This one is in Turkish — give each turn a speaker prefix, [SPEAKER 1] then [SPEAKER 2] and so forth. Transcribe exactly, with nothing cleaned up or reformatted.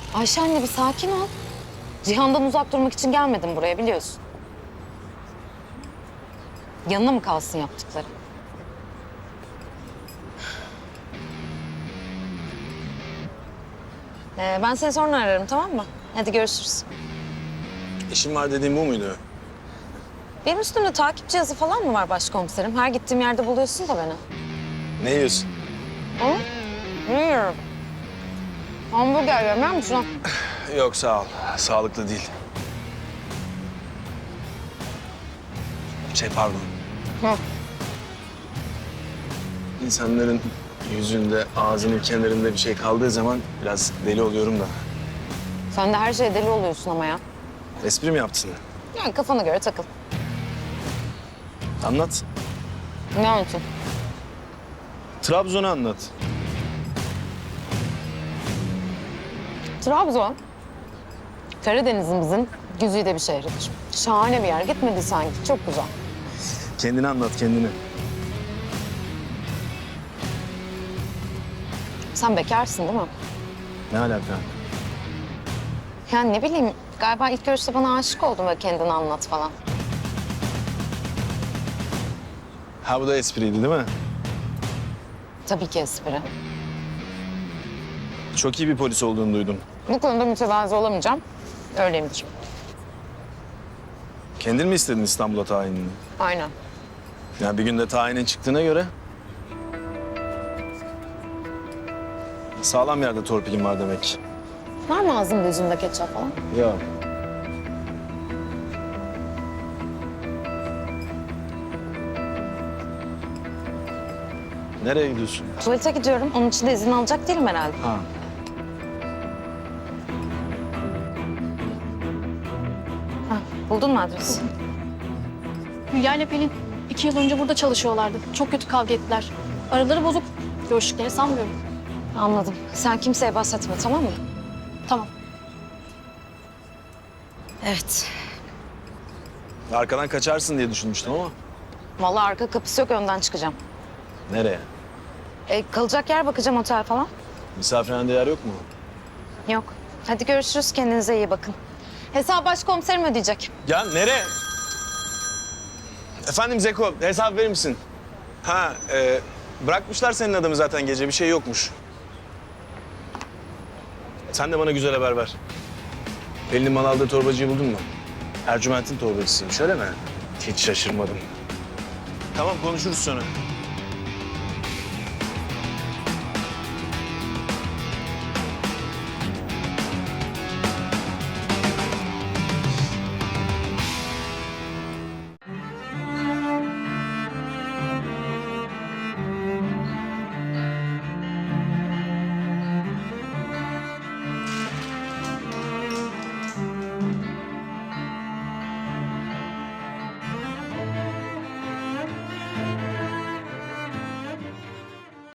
[SPEAKER 1] Ayşe anne bir sakin ol. Cihan'dan uzak durmak için gelmedim buraya biliyorsun. Yanına mı kalsın yaptıkları? Ee, ben seni sonra ararım tamam mı? Hadi görüşürüz.
[SPEAKER 2] İşim var dediğim bu muydu?
[SPEAKER 1] Benim üstümde takip cihazı falan mı var başkomiserim? Her gittiğim yerde buluyorsun da beni.
[SPEAKER 2] Ne yiyorsun?
[SPEAKER 1] Hı? Ne yiyorum? Hamburger yemiyor musun?
[SPEAKER 2] Yok sağ ol. Sağlıklı değil. Şey pardon.
[SPEAKER 1] Hı.
[SPEAKER 2] İnsanların yüzünde, ağzının kenarında bir şey kaldığı zaman biraz deli oluyorum da.
[SPEAKER 1] Sen de her şeye deli oluyorsun ama ya.
[SPEAKER 2] Espri mi yaptın?
[SPEAKER 1] Yani kafana göre takıl.
[SPEAKER 2] Anlat.
[SPEAKER 1] Ne anlatayım?
[SPEAKER 2] Trabzon'u anlat.
[SPEAKER 1] Trabzon, Karadeniz'imizin güzide bir şehridir. Şahane bir yer. Gitmedi sanki. Çok güzel.
[SPEAKER 2] Kendini anlat kendini.
[SPEAKER 1] Sen bekarsın değil mi?
[SPEAKER 2] Ne alaka?
[SPEAKER 1] Yani ne bileyim, galiba ilk görüşte bana aşık oldun ve kendini anlat falan.
[SPEAKER 2] Ha bu da espriydi değil mi?
[SPEAKER 1] Tabii ki espri.
[SPEAKER 2] Çok iyi bir polis olduğunu duydum.
[SPEAKER 1] Bu konuda mütevazı olamayacağım. Öyleyimdir.
[SPEAKER 2] Kendin mi istedin İstanbul'a tayinini?
[SPEAKER 1] Aynen.
[SPEAKER 2] Yani bir günde tayinin çıktığına göre... Sağlam yerde torpilim var demek.
[SPEAKER 1] Var mı ağzında yüzünde ketçap falan?
[SPEAKER 2] Yok. Nereye gidiyorsun?
[SPEAKER 1] Tuvalete gidiyorum. Onun için de izin alacak değilim herhalde.
[SPEAKER 2] Ha.
[SPEAKER 1] Ha, buldun mu adresi?
[SPEAKER 3] Hülya ile Pelin iki yıl önce burada çalışıyorlardı. Çok kötü kavga ettiler. Araları bozuk. Görüştüklerini sanmıyorum.
[SPEAKER 1] Anladım. Sen kimseye bahsetme tamam mı?
[SPEAKER 3] Tamam.
[SPEAKER 1] Evet.
[SPEAKER 2] Arkadan kaçarsın diye düşünmüştüm ama.
[SPEAKER 1] Vallahi arka kapısı yok, önden çıkacağım.
[SPEAKER 2] Nereye?
[SPEAKER 1] E, kalacak yer bakacağım, otel falan.
[SPEAKER 2] Misafirhanede yer yok mu?
[SPEAKER 1] Yok. Hadi görüşürüz. Kendinize iyi bakın. Hesabı başkomiserim ödeyecek.
[SPEAKER 2] Ya nereye? Efendim Zeko, hesap verir misin? Ha, e, bırakmışlar senin adamı zaten gece, bir şey yokmuş. Sen de bana güzel haber ver. Pelin'in mal aldığı torbacıyı buldun mu? Ercüment'in torbacısıymış, öyle mi? Hiç şaşırmadım. Tamam, konuşuruz sonra.